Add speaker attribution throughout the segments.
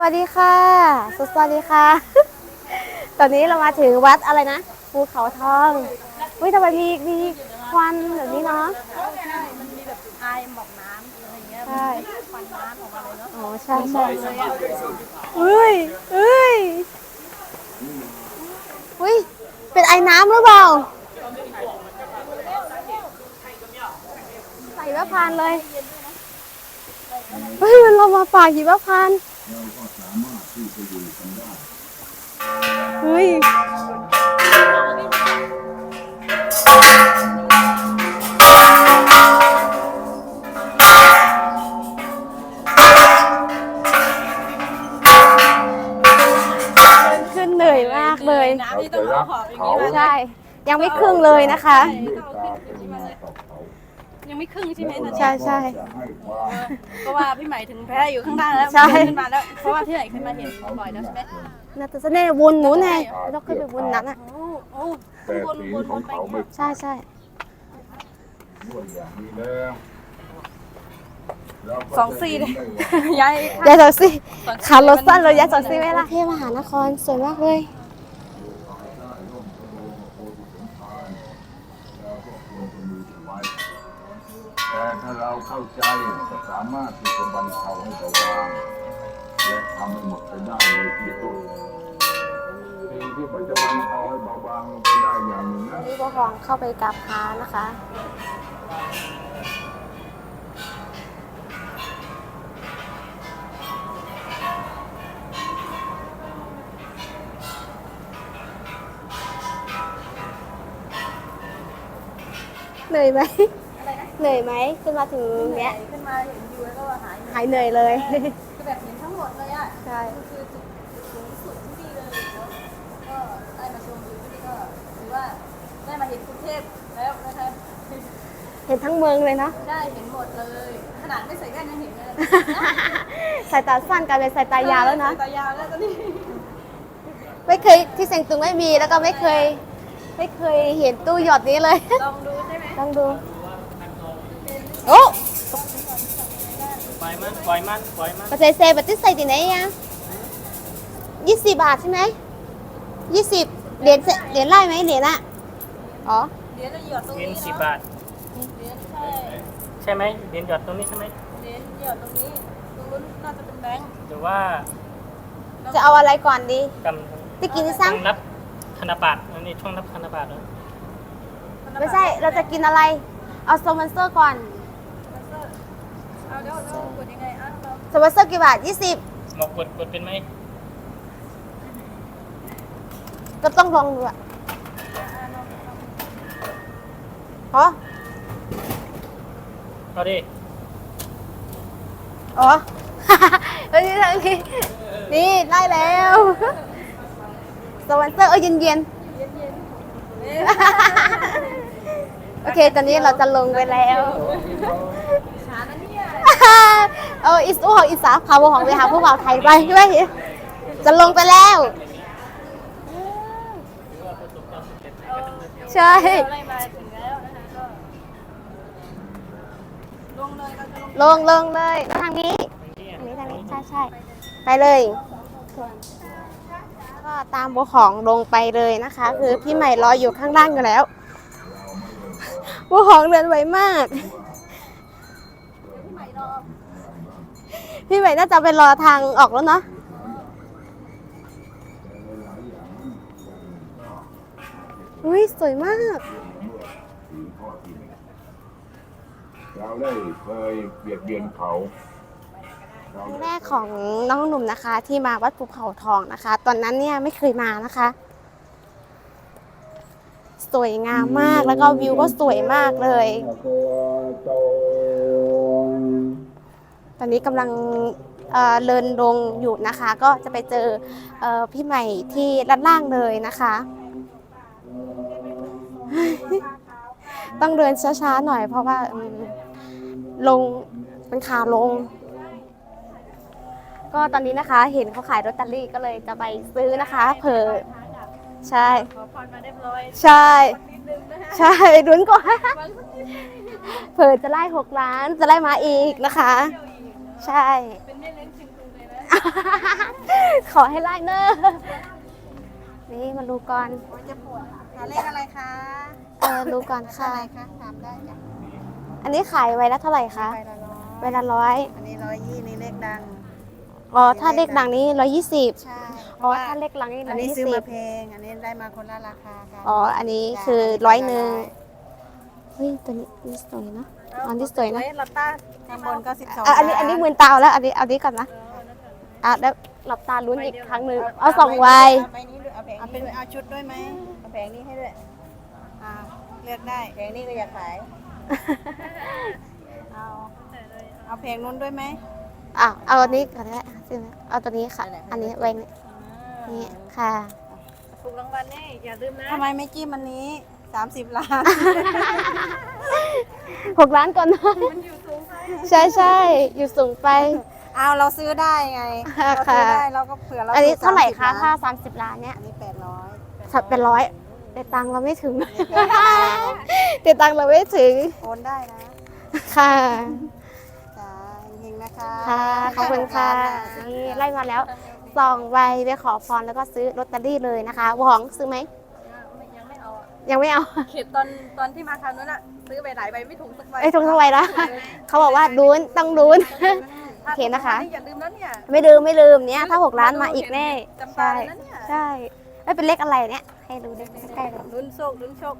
Speaker 1: สวัสดีค่ะสวัสดีค่ะ ตอนนี้เรามาถึงวัดอะไรนะภูเขาทองอุ้ยทำไมมีควันแบบนี้เนาะ
Speaker 2: ใช่มันมีแบบไอายหมอกน้ำอะไรเงี้ย
Speaker 1: ใช่
Speaker 2: ควันน้ำออกมาเลยเนาะ
Speaker 1: อ๋อใช่ใช่
Speaker 2: เลยอ่ะ
Speaker 1: อุ้ยอุ้ยอุ้ยเป็นไอ้น้ำหรือเปล่าใส่มะพร้าวเลยเฮ้ยมันลงมาป่าหิมะพานต์เฮ้ยขึ้นเหนื่อยมากเลย
Speaker 2: น้ำที่ต้องเอาหอบอย่างนี้มา
Speaker 1: ใช่ ยังไม่ครึ่งเลยนะคะ
Speaker 2: ยังไม่ครึ่งใช่ไหมนะ
Speaker 1: ใช่ใช่
Speaker 2: เพราะว่าพี่ใหม่ถึงแพ้อยู่ข้างล่างแล้ว
Speaker 1: ใช่
Speaker 2: ขึ้นมาแล้วเพราะว่าพี่ใหม่ขึ้นมาเห็นบ่อยแล้วใช่ไหม
Speaker 1: น่าจะแน่วนหนูแน่เราเคยไปวนนั้นอ่ะ
Speaker 2: โอ้โอ้ข้างบนวนไปอย่างเงี้ย
Speaker 1: ใช่ใช่
Speaker 2: 24เลยย้าย
Speaker 1: ยายจอยซี่ขารถสั้นเลยยายจอยซี่ไหมล่ะเทพมหานครสวยมากเลย
Speaker 3: แต่ถ้าเราเข้าใจจะสามารถที่จะบรรเทาให้เบาบางและทำให้หมดไปได้เลยที่สุดสิ่งที่มันจะบรรเทาให้เบาบางลงไปได้อย่างหนึ่งนะ
Speaker 1: นี่ก็ลองเข้าไปกราบพระนะคะเหนื่อยไหมเหนื่อยไหมขึ้นมาถึงเนี้ย
Speaker 2: ขึ้นมาเห็นวิวแล้วก็หาย
Speaker 1: หายเหนื่อยเลย
Speaker 2: คือแบบเห็นทั้งหมดเลยอ่ะ
Speaker 1: ใช่
Speaker 2: คือจุดสูงสุดที่นี่เลยแล้วก็ได้มาชมวิวที่นี่ก็ถือว่าได้มาเห็นกรุงเทพแล้วนะคะ
Speaker 1: เห็นทั้งเมืองเลยเนาะ
Speaker 2: ได้เห็นหมดเลย ขนาดไม่ใส่แว่นยังเห็นเลย
Speaker 1: สายตาสั้นกลายเป็นสายตายาวแล้วนะ
Speaker 2: สายตายาวแล้วตอนนี้
Speaker 1: ไม่เคยที่เซงตุงไม่มีแล้วก็ไม่เคยเห็นตู้หยอดนี้เลย
Speaker 2: ลองดูใช่ไหม
Speaker 1: ต้องดูโอ้
Speaker 4: ปล่อยมัน
Speaker 1: ปัจจัยเซบัตติใส่ที่ไหนอ่ะ20 บาทใช่ไหม20 เหรียญไล่ไหมเหรียญอะอ๋อ
Speaker 2: เหรียญละหยอดตรง
Speaker 4: เหรียญ
Speaker 2: นี้
Speaker 4: 10 บาท
Speaker 2: เหรียญใช่
Speaker 4: ใช่ไหมเหรียญหยอดตรงนี้ใช่ไหม
Speaker 2: เหรียญหยอดตรงนี้ตรงนู้นน่าจะเป็นแบงค์
Speaker 4: หรือว่า
Speaker 1: จะเอาอะไรก่อนดี
Speaker 4: ก
Speaker 1: ที่กินที่
Speaker 4: ำ
Speaker 1: สั่ง
Speaker 4: ช่องนับธนบัตรอันนี้ช่องนับธนบัตรเหรอ
Speaker 1: ไม่ใช่เราจะกินอะไร เอาสปอนเซอร์ก่อน
Speaker 2: เอาเดี๋ยวเรากดยังไงอ่ะเรา
Speaker 1: สปอนเซอร์กี่บาท20
Speaker 4: หมกกดเป็นไหม
Speaker 1: ก็ต้องลองดูอะอ๋อ
Speaker 4: เอาดิ
Speaker 1: อ๋อ เฮ้ยทางนี้นี่ได้แล้วสปอนเซอร์เย็น
Speaker 2: เอ๊ะ
Speaker 1: ๆโอเค ตอนนี้เราจะลงไปแล้ว
Speaker 2: ช้านะเนี่ย
Speaker 1: อิสอูของอิสาพาวของไปหาผู้บ่าวไทยไปใช่ไหมจะลงไปแล้ว ใช่
Speaker 2: เราไล่มาถึงแล้วนะคะก็ลงเลยเราจะลง
Speaker 1: ลงเลยทางนี้ทางนี้ใช่ไปเลยก็ตามบัวของลงไปเลยนะคะ คือพี่ใหม่รออยู่ข้างล่างอยู่แล้วบัวของเดินไวมาก
Speaker 2: พี่ใหม่รอ
Speaker 1: พี่ใหม่น่าจะไปรอทางออกแล้วเนาะอุ้ยสวยมาก
Speaker 3: เราได้เคยเบียดเบียนเขาเรา
Speaker 1: ครั้งแรกของน้องหนุ่มนะคะ ที่มาวัดภูเขาทองนะคะ ตอนนั้นเนี่ยไม่เคยมานะคะ สวยงามมากแล้วก็วิวก็สวยมากเลย ตอนนี้กำลังเดินลงอยู่นะคะ ก็จะไปเจอพี่ใหม่ที่ด้านล่างเลยนะคะ ต้องเดินช้าๆหน่อยเพราะว่าลงเป็นขาลง ก็ตอนนี้นะคะเห็นเขาขายลอตเตอรี่ก็เลยจะไปซื้อนะคะเผื่อใช่
Speaker 2: ขอพรมาเรียบร้อย
Speaker 1: ใช่
Speaker 2: นิดนึงนะคะ
Speaker 1: ใช่ลุ้นก่อน
Speaker 2: บางสักนิดนึง
Speaker 1: เผื่อจะไล่6 ล้านจะไล่มาอีกนะคะ ใช่
Speaker 2: เป็นแม่เลี้ยงชิงทุงเลยนะ
Speaker 1: เอาขอให้ไล่เนอร์นี่มาดูก่อน
Speaker 2: จะปวดหาเลขอะไรคะ
Speaker 1: ดูก่อนค่ะ
Speaker 2: อะไรคะถามได้จ้ะ
Speaker 1: อันนี้ขายไว้ละเท่าไหร่คะ
Speaker 2: ไปละร้อย
Speaker 1: ไว้ละร้อย
Speaker 2: อันนี้120นี่เลขดัง
Speaker 1: อ๋อถ้าเลขดังนี้120
Speaker 2: ใช่
Speaker 1: อ๋อถ้าเลขหลังนี่
Speaker 2: อันนี้ซื้อมา
Speaker 1: 120
Speaker 2: แพงอันนี้ได้มาคนละราคาค่ะ
Speaker 1: อ๋ออันนี้คือ100เฮ้ยตัวนี้สวยนะอันนี้สวยนะ
Speaker 2: ลับตาข้างบนก็12
Speaker 1: อันนี้มือตาแล้วอันนี้ก่อนนะแล้วหลับตาลุ้นอีกครั้งหนึ่งเอา2 ใบ
Speaker 2: เอาใบนี้ด้วยเอาแผงนี้ด้วยเอาชุดด้วยไหมเอาแผงนี้ให้ด้วยเลือกได้แผงนี้ก็อยากขายเอาแผงนู้นด้วยไหม
Speaker 1: เอาอันนี้ก่อนนะเอาตัวนี้ค่ะ อันนี้ไว้นี่ค่ะ
Speaker 2: ถูกรางวัลนี่อย่าลืมนะทำไมไม่จิ้มอันนี้30 ล้าน
Speaker 1: 6 ล้านก่อนนะใช่อยู่สูงไป
Speaker 2: เอาเราซื้อได้ไงเราซื้อได้เราก็เผื่อเรา
Speaker 1: อันนี้เท่าไหร่คะ
Speaker 2: 30
Speaker 1: ถ้า
Speaker 2: ล้าน
Speaker 1: 30 ล้านเนี่ย
Speaker 2: อันนี้800
Speaker 1: สับเป็น100แต่ตังค์เราไม่ถึงแต่ตังค์เราไม่ถึง
Speaker 2: โอนได้นะ
Speaker 1: ค่ะ
Speaker 2: จ้าเฮงนะคะ
Speaker 1: ค่ะขอบคุณค่ะนี่ไล่มาแล้ว2 ใบไปขอพรแล้วก็ซื้อลอตเตอรี่เลยนะคะหวงซื้อไหม
Speaker 2: ยังไม่เอาอะ
Speaker 1: ยังไม่เอา
Speaker 2: เข็ดตอนที่มาคราวนั้นอะซื้อไปหลายใบไม่ถูกสักใบ
Speaker 1: ไม่ถูกเท่าไหร่ละเขาบอกว่าลุ้นต้องลุ้น โอเคนะคะ
Speaker 2: อย่าลืมนะเนี่ย
Speaker 1: ไม่ลืมเนี่ยถ้า6 ล้านมาอีกแน่
Speaker 2: จำตา
Speaker 1: ใช่
Speaker 2: เลยนะเนี่ย
Speaker 1: ใช่แล้วเป็นเลขอะไรเนี่ยให้ดูได้ใกล้ๆเลย
Speaker 2: ลุ้นโชคลุ้นโชค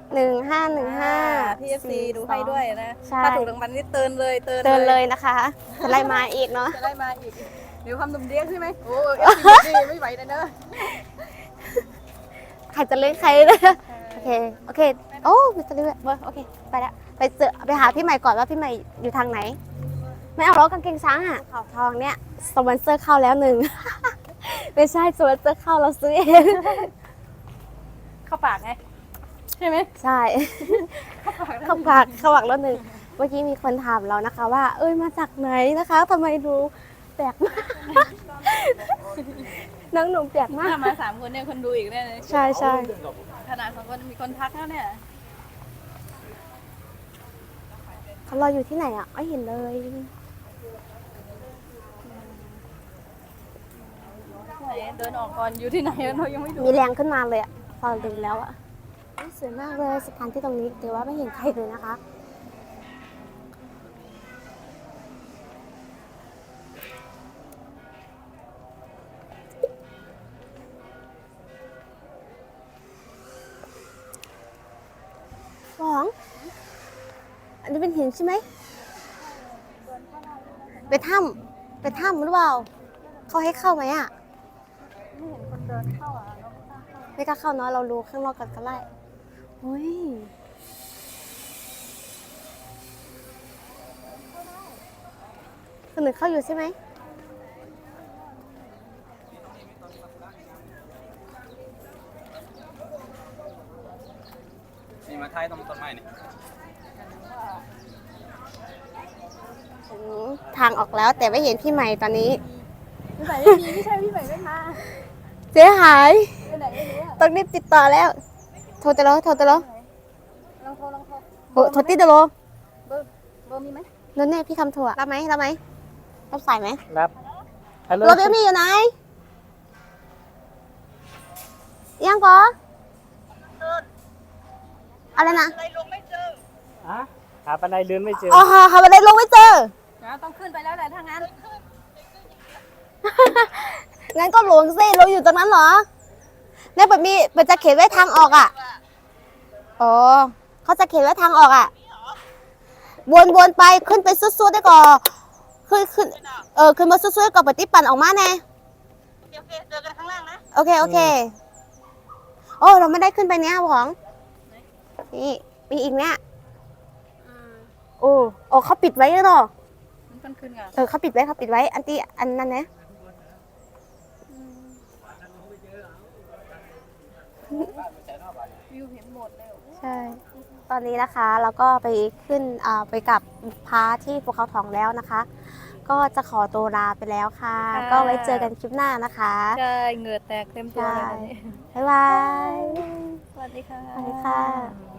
Speaker 1: 1515
Speaker 2: พี่เอฟซีดูให้ด้วยนะ
Speaker 1: ใช่
Speaker 2: ถ้าถูกรางวัลนี่เตือนเลย
Speaker 1: เตือนเลยนะคะจะไล่มาอีกเนาะ
Speaker 2: จะได้มาอีกเดี๋ยวความนุ่มเดี้ยงใช่ไหมโอ้เอฟซีไม่ไหวเลยเนอะ
Speaker 1: ใครจะเล่นใครเลยโอเคโอ้มีตัวเลือกโอเคไปแล้วไปหาพี่ใหม่ก่อนว่าพี่ใหม่อยู่ทางไหน ไม่เอาล้อกางเกงช้างอ่ะขาวทองเนี่ยสปอนเซอร์เข้าแล้ว1 ไม่ใช่สปอนเซอร์เข้าเราซื้อเอง
Speaker 2: เข้าปากไงใช่ไหม
Speaker 1: ใช่เข้าปากแล้ว1เมื่อกี้มีคนถามเรานะคะว่าเอ้ยมาจากไหนนะคะทำไมดูแปลกมาก น้องหนุ่มแปลกมาก
Speaker 2: ถ้ามา3 คนเนี่ยคนดูอีกแน่เลย
Speaker 1: ใช่ใช่
Speaker 2: ขนาด2 คนมีคนทักแล้วเนี่ย
Speaker 1: เขารออยู่ที่ไหนอ่ะไม่เห็นเลย
Speaker 2: เดินออกก่อนอยู่ที่ไหนเรายังไม่ดู
Speaker 1: มีแรงขึ้นมาเลยอ่ะพอดูแล้วอ่ะสวยมากเลยสถานที่ตรงนี้แต่ว่าไม่เห็นใครเลยนะคะสองอันนี้เป็นหินใช่ไหมไปถ้ำหรือเปล่าเขาให้เข้าไหมอ่ะ
Speaker 2: ไม่เห็นคนเดินเข้าอ่ะเราไม่กล้าเข้า
Speaker 1: ไม่กล้าเข้าเนาะเราดูข้างนอกกันก็ได้เฮ้ยคนหนึ่งเข้าอยู่ใช่ไหม
Speaker 4: นี่มาท้ายตรงต้นไม้นี่
Speaker 1: ถึงทางออกแล้วแต่ไม่เห็นพี่ใหม่ตอนนี้
Speaker 2: พี่ใหม่ไม่มีไม่ใช่พี่ใหม่ไม่มา
Speaker 1: เสียหาย
Speaker 2: ไปไหนไม่รู้อ่ะ
Speaker 1: ต้องรีบติดต่อแล้วโทรตะโล
Speaker 2: ลองโทร
Speaker 1: โทรติดตะโล
Speaker 2: เบอร์มีไหม
Speaker 1: นั่นแน่พี่คำโทรอะรับไหมรับสายไหม
Speaker 4: รับฮัลโหล
Speaker 1: รถเบลมี่อยู่ไหนยังก่ออะไรนะ
Speaker 4: อ่ะหาปันไดเดินไม่เจอ
Speaker 1: อ๋อหาบันไดลงไม่เจอ
Speaker 2: ต้องขึ้นไปแล้วแหละถ้างั้น
Speaker 1: งั้นก็หลงสิเราอยู่ตรงนั้นเหรอเนี่ยมันจะเขียนไว้ทางออกอ่ะอ๋อเขาจะเขียนไว้ทางออกอ่ะวนไปขึ้นไปสุดๆได้ก่อนขึ้นขึ้นมาสุดๆก่อนปฏิปั่นออกมาแน่
Speaker 2: โอเคเจอกันข้างล่างนะ
Speaker 1: โอเคโอ้เราไม่ได้ขึ้นไปเนี้ยหวงนี่มีอีกเนี้ยโอ้เขาปิดไว้แล้วเหรอ
Speaker 2: มันขึ้นกัน
Speaker 1: เขาปิดไว้อันนั้นนะ
Speaker 2: วิวเห็นหมดเลย
Speaker 1: ใช่ ตอนนี้นะคะเราก็ไปขึ้นไปกับพาที่ภูเขาทองแล้วนะคะ ก็จะขอตัวลาไปแล้วค่ะ ก็ไว้เจอกันคลิปหน้านะคะ
Speaker 2: ใช่เหงื่อแตกเต็มตัวเลย
Speaker 1: บ๊ายบาย
Speaker 2: สวัสดีค่ะ
Speaker 1: สวัสดีค่ะ